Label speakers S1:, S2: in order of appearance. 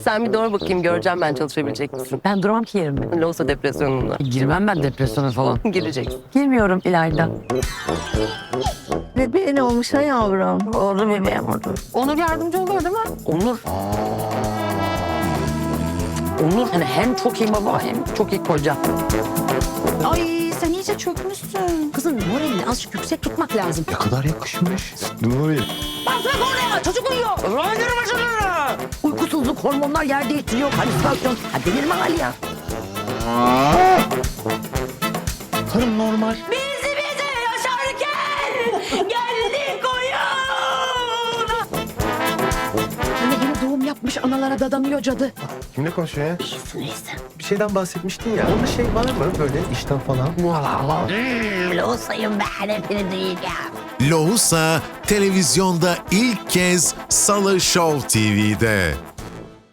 S1: Sen bir doğru bakayım, göreceğim ben çalışabilecek misin?
S2: Ben duramam ki yerimde.
S1: Loğusa depresyonunda.
S2: Girmem ben depresyona falan.
S1: Gireceksin.
S2: Girmiyorum İlayda.
S3: Bebeğin olmuş ha yavrum.
S2: Oldu bebeğim oldu.
S1: Onur yardımcı oluyor değil mi?
S2: Onur. Onur hani hem çok iyi baba hem çok iyi koca.
S3: Ay sen iyice çökmüşsün.
S2: Kızın moralini azıcık yüksek tutmak lazım.
S4: Ne kadar yakışmış. Nuri.
S2: Bak oraya çocuk uyuyor. Öldürün başını. Uykusuzluk, hormonlar yer değiştiriyor, halüsinasyon. Ha delirme hali ya.
S4: Karım normal.
S2: Bizi yaşarken geldik oyun. Anne yine doğum yapmış analara dadanıyor cadı.
S4: Kimle konuşuyor ya?
S2: Neyse.
S4: Bir şeyden bahsetmiştin ya. Onda şey var mı böyle işten falan?
S2: Loğusayım ben hepini duyacağım.
S5: Lohusa televizyonda ilk kez Salı Show TV'de.